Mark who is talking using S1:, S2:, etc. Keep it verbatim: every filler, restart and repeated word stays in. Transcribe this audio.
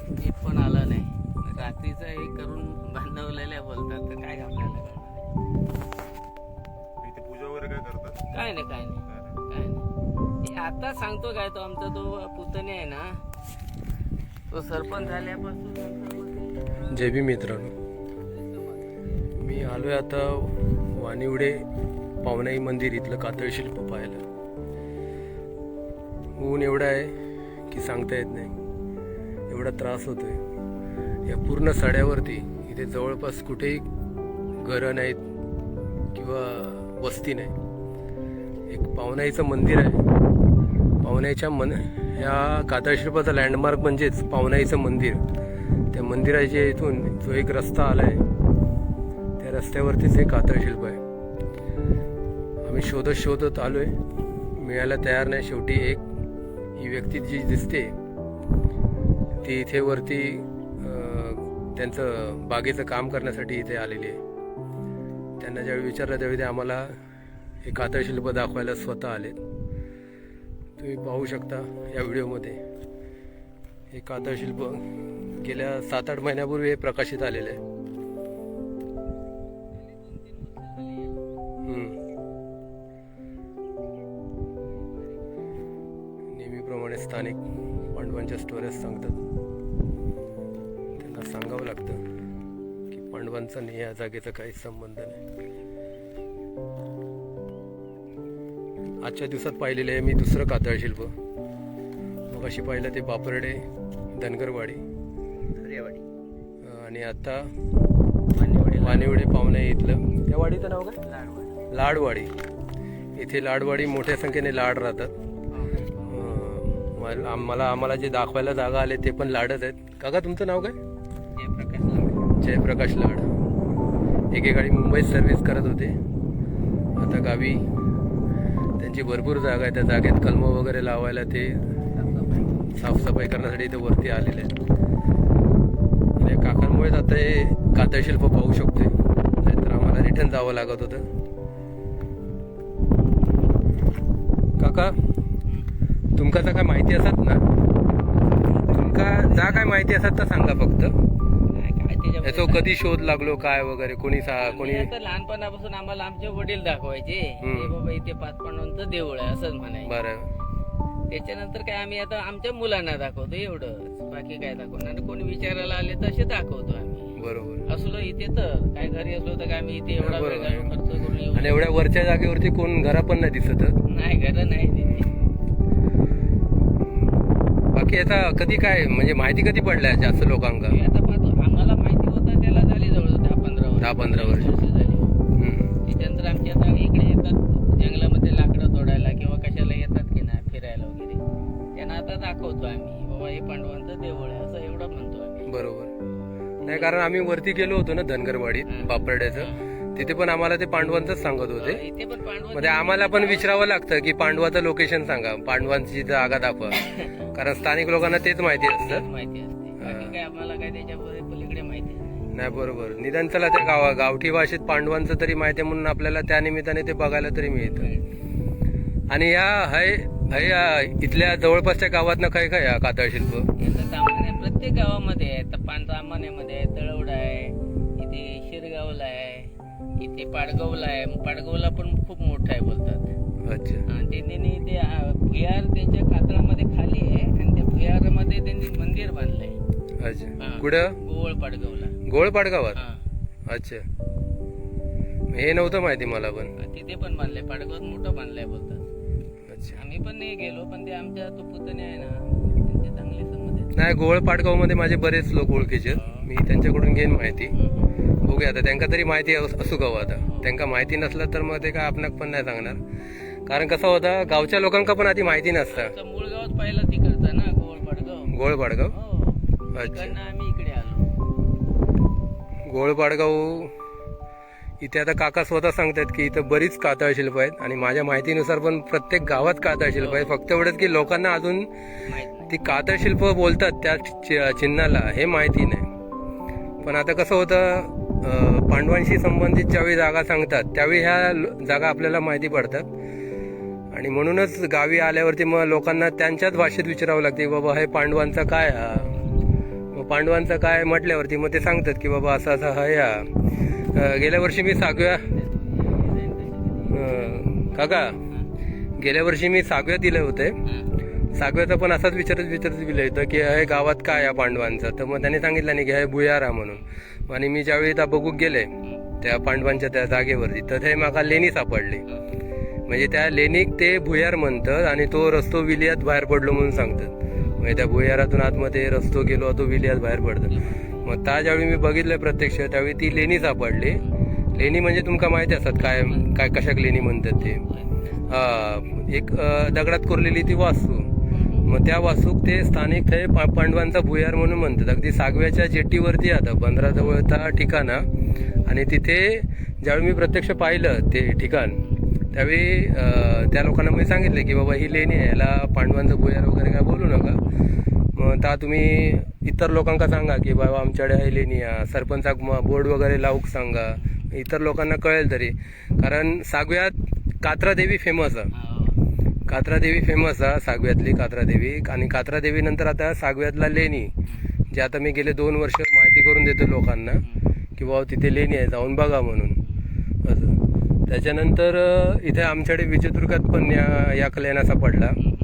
S1: एक पण आला नाही. रात्रीचं हे करून बांधवलेल्या बोलतात तर काय आपल्याला कळणार?
S2: इथे पूजा वगैरे काय करतात?
S1: काय नाही काय नाही काय नाही. हे आता सांगतो काय, तो आमचा तो पुतणे आहे ना, तो सरपंच झाल्यापासून नंतर मग ते-
S3: जय भीम मित्रांनो, मी आलोय आता वानिवडे पावनाई मंदिर इथलं कातळ शिल्प पाहायला. ऊन एवढा आहे की सांगता येत नाही, एवढा त्रास होतोय. या पूर्ण सड्यावरती इथे जवळपास कुठेही घरं नाहीत किंवा वस्ती नाही. एक पावनाईचं मंदिर आहे. पावनाईच्या मन ह्या कातळ शिल्पाचा लँडमार्क म्हणजेच पावनाईचं मंदिर. त्या मंदिराच्या इथून जो एक रस्ता आलाय त्या रस्त्यावरतीच हे कातळ शिल्प आहे. आम्ही शोधत शोधत आलोय, मिळायला तयार नाही. शेवटी एक ही व्यक्ती जी दिसते ती इथे वरती त्यांचं बागेचं काम करण्यासाठी इथे आलेली आहे. त्यांना ज्यावेळी विचारलं त्यावेळी ते आम्हाला हे कातळ शिल्प दाखवायला स्वतः आलेत. तुम्ही पाहू शकता या व्हिडिओमध्ये हे कातळ शिल्प गेल्या सात आठ महिन्यापूर्वी हे प्रकाशित आलेलं आहे. नेहमीप्रमाणे स्थानिक पांडवांच्या स्टोऱ्याज सांगतात. त्यांना सांगावं लागतं की पांडवांचा आणि या जागेचा काहीच संबंध नाही. आजच्या दिवसात पाहिलेलं आहे मी दुसरं कातळ शिल्प. मग अशी पाहिलं ते बापरडे धनगरवाडी आणि आता वानिवडे पावणे इथलं त्या वाडीचं नाव काय?
S1: लाडवाडी.
S3: लाडवाडी. इथे लाडवाडी मोठ्या संख्येने लाड राहतात. आम्हाला आम्हाला जे दाखवायला जागा आले ते पण लाडच आहेत. काका तुमचं नाव काय?
S1: जयप्रकाश लाड.
S3: जयप्रकाश लाड. एकेकाळी मुंबईत सर्व्हिस करत होते, आता गावी त्यांची भरपूर जागा आहे. त्या जागेत कलम वगैरे लावायला ते साफसफाई करण्यासाठी इथे वरती आलेले आहेत. आणि काकांमुळेच आता हे कातळ शिल्प पाहू शकतोय, नाहीतर आम्हाला रिटर्न जावं लागत होतं. काका तुमका जर काय माहिती असत ना, तुमका जा काय माहिती असत तर सांगा फक्त. याचा कधी शोध लागलो काय वगैरे कोणी सा कोणी
S1: आता लहानपणापासून आम्हाला आमचे वडील दाखवायचे हे बाबा इथे पाच पांडवांचं देऊळ आहे असंच म्हणायचं.
S3: बरं.
S1: त्याच्यानंतर काय आम्ही आता आमच्या मुलांना दाखवतो एवढंच, बाकी काय दाखवणार. आणि कोणी विचारायला आले तसे दाखवतो आम्ही.
S3: बरोबर.
S1: असलो इथे तर काय घरी असलो तर काय आम्ही इथे एवढा वेळ
S3: बरोबर.
S1: खर्च करून येऊ.
S3: आणि एवढ्या वरच्या जागेवरती कोण घरा पण नाही दिसत.
S1: नाही घर नाही तिथे.
S3: बाकी आता कधी काय म्हणजे माहिती कधी पडल्या जास्त लोकांना?
S1: हे आता पाहतो, आम्हाला माहिती होतं त्याला झाली जवळ दहा पंधरा वर्ष
S3: दहा पंधरा वर्ष
S1: झाली.
S3: हम्म.
S1: त्याच्यानंतर आमची आता इकडे येतात जंगलामध्ये लाकडं तोडायला किंवा कशाला येतात की नाही फिरायला वगैरे, त्यांना आता दाखवतो आम्ही बाबा हे पांडवांचं देऊळ आहे असं एवढं म्हणतो आम्ही.
S3: बरोबर. नाही कारण आम्ही वरती गेलो होतो ना धनगरवाडीत बापरड्याचं, तिथे पण आम्हाला ते पांडवांचंच सांगत होते.
S1: इथे पण पांडव
S3: म्हणजे आम्हाला पण विचारावं लागतं की पांडवाचं लोकेशन सांगा, पांडवांची जागा दाखवा, कारण स्थानिक लोकांना तेच माहिती असतं.
S1: माहिती असते, बाकी काय आम्हाला काय त्याच्या पलीकडे माहिती नाही.
S3: नाही बरोबर. निदान चला त्या गावा गावठी भाषेत पांडवांचं तरी माहिती आहे म्हणून आपल्याला त्या निमित्ताने ते बघायला तरी मिळतं. आणि या हय हय इथल्या जवळपासच्या गावातनं काय काय या कातळ शिल्प?
S1: याचं सामान्य प्रत्येक गावामध्ये आहे. तर पानसामान्यामध्ये आहे, तळवडा आहे, इथे शिरगावला आहे, इथे पाडगावला आहे. पाडगावला पण खूप मोठा आहे बोलतात.
S3: अच्छा.
S1: आणि त्यांनी ते भुयार त्यांच्या कातळामध्ये खाली आहे आणि त्या भुयारामध्ये त्यांनी मंदिर बांधलंय.
S3: अच्छा. कुठं?
S1: गोवळ पाडगावला.
S3: गोळ पाडगावात.
S1: हा.
S3: अच्छा. हे नव्हतं माहिती मला पण.
S1: तिथे पण बांधलंय, पाडगावात मोठं बांधलंय बोलतात.
S3: अच्छा.
S1: आम्ही पण नाही गेलो, पण ते आमच्या तो पुतणे आहे ना त्यांचे चांगले संबंध आहेत.
S3: नाही गोळ पाडगाव मध्ये माझे बरेच लोक ओळखीचे आहेत. मी त्यांच्याकडून घेईन माहिती. बघूया आता त्यांना तरी माहिती असू गाव. आता त्यांना माहिती नसलं तर मग ते काय आपणाक पण नाही सांगणार, कारण कसं होतं गावच्या लोकांना पण आधी माहिती नसतं.
S1: मूळ गावच पाहिलं तिकडचं ना गोवळ पाडगाव.
S3: गोळ पाडगाव.
S1: हो.
S3: अच्छा.
S1: तिकडनं आम्ही इकडे आलो.
S3: गोळ पाडगाव इथे आता काका स्वतः सांगतात की इथं बरीच कातळ शिल्प आहेत आणि माझ्या माहितीनुसार पण प्रत्येक गावात कातळ शिल्प आहेत. फक्त एवढंच की लोकांना अजून
S1: माहित नाही.
S3: ती कातळ शिल्प बोलतात त्या चि- चिन्हाला हे माहिती नाही. पण आता कसं होतं पांडवांशी संबंधित ज्यावेळी जागा सांगतात त्यावेळी ह्या जागा आपल्याला माहिती पडतात. आणि म्हणूनच गावी आल्यावरती मग लोकांना त्यांच्याच भाषेत विचारावं लागते बाबा हे पांडवांचा काय हा. मग पांडवांचं काय म्हटल्यावरती मग ते सांगतात की बाबा असं असं हा या अं, गेल्या वर्षी मी सागव्या अं, काका गेल्या वर्षी मी सागव्यात दिलं होते. सागव्याचा पण असाच विचारत विचारत दिलं होतं की हे गावात काय या पांडवांचं, तर मग त्याने सांगितलं नाही की हे भुयारा म्हणून. आणि मी ज्यावेळी त्या बघूक गेले त्या पांडवांच्या त्या जागेवरती तर ते म्हाका लेणी सापडली. म्हणजे त्या लेणीक ते भुयार म्हणतात आणि तो रस्तो विलियात बाहेर पडलो म्हणून सांगतात. म्हणजे त्या भुयारातून आतमध्ये रस्तो गेलो तो विलियात बाहेर पडतो. मग त्या ज्यावेळी मी बघितलं प्रत्यक्ष त्यावेळी ती लेणी सापडली. लेणी म्हणजे तुमका माहिती असतात काय काय कशाक लेणी म्हणतात ते. हा एक अं, दगडात कोरलेली ती वास्तू. मग त्या वास्तूक ते स्थानिक ते पा पांडवांचा भुयार म्हणून म्हणतात. अगदी सागव्याच्या जेटीवरती आता बंदराजवळचा ठिकाण. आणि तिथे ज्यावेळी मी प्रत्यक्ष पाहिलं ते ठिकाण त्यावेळी त्या लोकांना मी सांगितलं की बाबा ही लेणी आहे, याला पांडवांचं भुयार वगैरे काय बोलू नका. मग त्या तुम्ही इतर लोकांना सांगा की बाबा आमच्याकडे ही लेणी आहे, सरपंचाक बोर्ड वगैरे लावूक सांगा, इतर लोकांना कळेल तरी. कारण सागव्यात कात्रा देवी फेमस आहे. कात्रा देवी फेमस आहे सागव्यातली कात्रा देवी. आणि कात्रा देवी नंतर आता सागव्यातला लेणी जे आता मी गेले दोन वर्ष माहिती करून देतो लोकांना की बाबा तिथे लेणी आहे जाऊन बघा म्हणून असं. त्याच्यानंतर इथे आमच्याकडे विजयदुर्गात पण या या लेण्या सापडला.